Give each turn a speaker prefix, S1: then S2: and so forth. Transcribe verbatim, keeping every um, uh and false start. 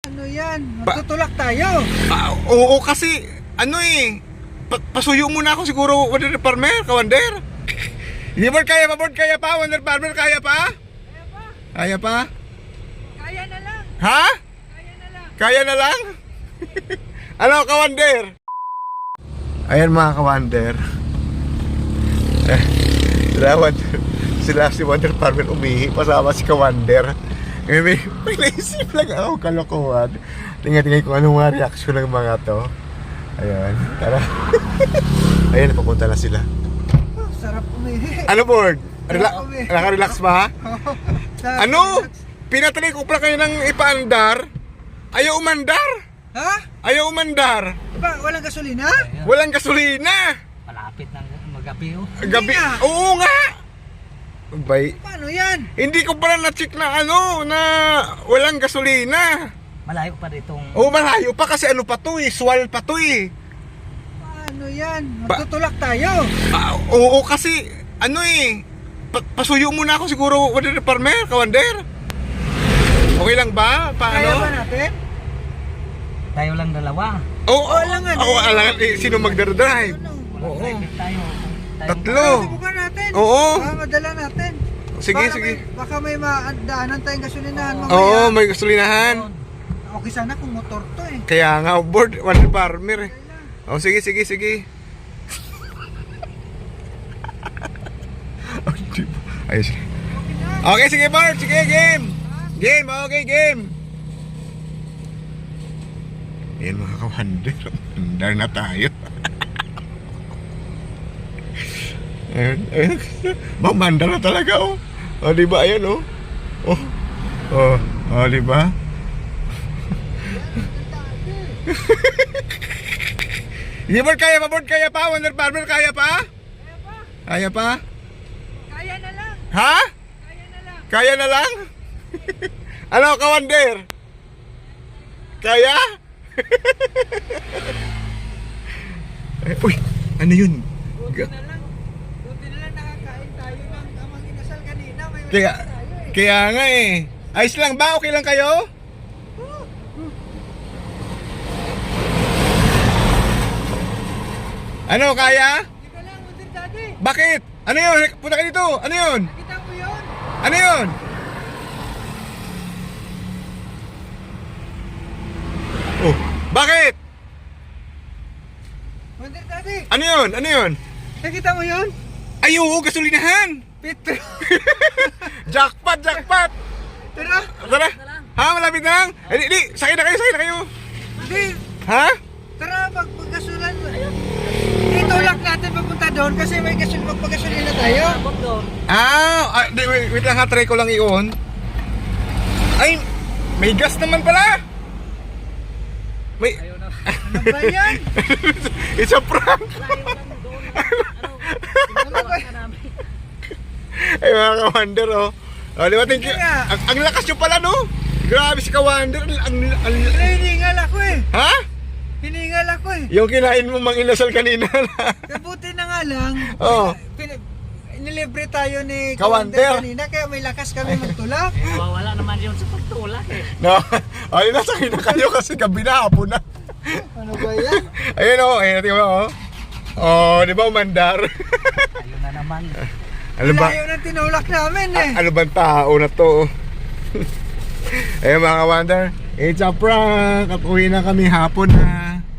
S1: Ano yan?
S2: Pa-
S1: Magtutulak tayo.
S2: Ah, oo kasi, ano eh, pa- pasuyo muna ako siguro, Wonder Farmer, ka-Wonder. Hindi board kaya pa, board kaya pa, Wonder Farmer, kaya pa?
S1: Kaya pa?
S2: Kaya pa?
S1: Kaya na lang.
S2: Ha?
S1: Kaya na lang.
S2: Kaya na lang? Ano, ka-Wonder? Ayan mga ka-Wonder. Eh, sila, Wonder, sila si Wonder Farmer umihi, pasama si ka-Wonder. Ngayon may, may naisip lang ako, kalokohan. Tingnan-tingnan kung anong mga reaction ng mga to. Ayan, tara. Ayan, papunta na sila.
S1: Oh, sarap umihi.
S2: Ano board? Rela-
S1: Sarap umihi.
S2: Naka-relax ba?
S1: Sarap
S2: Ano?
S1: relax.
S2: Pinatali ko pala kayo ng ipaandar? Ayaw umandar?
S1: Ha?
S2: Ayaw umandar?
S1: Ba, walang gasolina?
S2: Walang gasolina!
S3: Malapit ng magabi oh.
S2: Gabi,
S1: nga.
S2: oo nga! Bay,
S1: Paano yan?
S2: hindi ko pala na-check na ano, na walang gasolina.
S3: Malayo pa ditong
S2: Oo, malayo pa kasi ano pa to eh, swal pa to eh.
S1: Paano yan?
S2: Ba-
S1: Magtutulak tayo.
S2: Ah, oo kasi, ano eh, pa- pasuyo muna ako siguro, Wonder Farmer, ka-Wonder. Okay lang ba?
S1: Kaya ba
S2: Paano?
S1: natin?
S3: tayo lang dalawa.
S2: Oo,
S1: Oo, alangan
S2: Oo,
S1: eh.
S2: alangan eh, sino magdadrive?
S1: Ano?
S3: Walang
S2: Oo.
S3: private tayo. Tayo-
S2: Tatlo.
S1: Subukan natin.
S2: Oo.
S1: Baka madala natin.
S2: Sige,
S1: Baka
S2: sige.
S1: May, baka may madaanan tayong gasolinahan mamaya.
S2: Oo, may gasolinahan.
S1: Okay sana kung motor to eh.
S2: Kaya nga, board, Wonder Farmer eh. Oh, sige, sige, sige. Ayos.
S1: Okay na.
S2: Okay, sige, board. Sige, game. Game, okay, game. Ayan mga ka-Wonder. Wonder na tayo. Ayan, ayan. Mamanda na talaga, oh. O, diba, ayan, oh. Oh, oh, oh, diba? Hindi board kaya pa, board kaya pa, Wonder Farmer, kaya pa?
S1: Kaya pa?
S2: Kaya pa?
S1: Kaya na lang.
S2: Ha?
S1: Kaya na lang.
S2: Kaya na lang? Ano, ka-Wonder? Kaya? Eh, uy, ano yun?
S1: Buti
S2: Ga-
S1: na lang. Buti na lang nakakain tayo ng amang inasal kanina. May wala
S2: Kaya,
S1: tayo eh.
S2: kaya nga eh. Ayos lang ba? Okay lang kayo? Ano, kaya?
S1: Hindi ka lang, Wonder Daddy.
S2: Bakit? Ano yun? Punta ka dito. Ano yun?
S1: Nakita mo yun?
S2: Ano yun? Oh, bakit?
S1: Wonder Daddy.
S2: Ano yun? Ano yun?
S1: Nakita mo yun?
S2: Ay, oo, gasolinahan.
S1: Petro.
S2: Jackpot, jackpot.
S1: Tara.
S2: Tara. Ha, malapit na lang. Eh, di, di, sakay na kayo, sakay na kayo.
S1: Hindi.
S2: Ha?
S1: Tara, magpagkasulan. Itulak natin papunta doon kasi may gasul magpagasolina tayo.
S3: Abot doon.
S2: Ah, ah di, wait, wait lang ha, try ko lang i-on. Ay, may gas naman pala. May,
S3: Ayaw na.
S1: Ano ba yan?
S2: it's a prank.
S3: Layo lang doon. Ano?
S1: Ano ba?
S3: Tinulungan ka namin.
S2: Ay, mga ka-Wonder, oh. Oh, di ba, thank you.
S1: Hindi nga.
S2: Ang, ang lakas nyo pala, no? Grabe si ka-Wonder. Ang, ang, ang,
S1: Hiningal ako eh.
S2: ha?
S1: Hiningal ako eh.
S2: Yung kinain mo mang inasal kanina na.
S1: Kabuti na nga lang.
S2: Oo.
S1: Pin, nilibre tayo ni
S2: Kawander.
S1: Kawander kanina kaya may lakas kami magtulak.
S3: Eh, nawawala naman yun sa pagtulak eh.
S2: No, ayun na, sakay na kayo kasi gabi na, hapon na.
S1: Ano ba yan?
S2: Ayun, oh, ayun, tingnan mo, oh. Oh, di ba, umandar?
S3: Ayun na naman.
S2: Ano ba?
S1: Layo ng tinulak namin eh.
S2: Ano bang tao na to? Ayun mga ka-Wonder, it's a prank. At uwi na kami hapon na.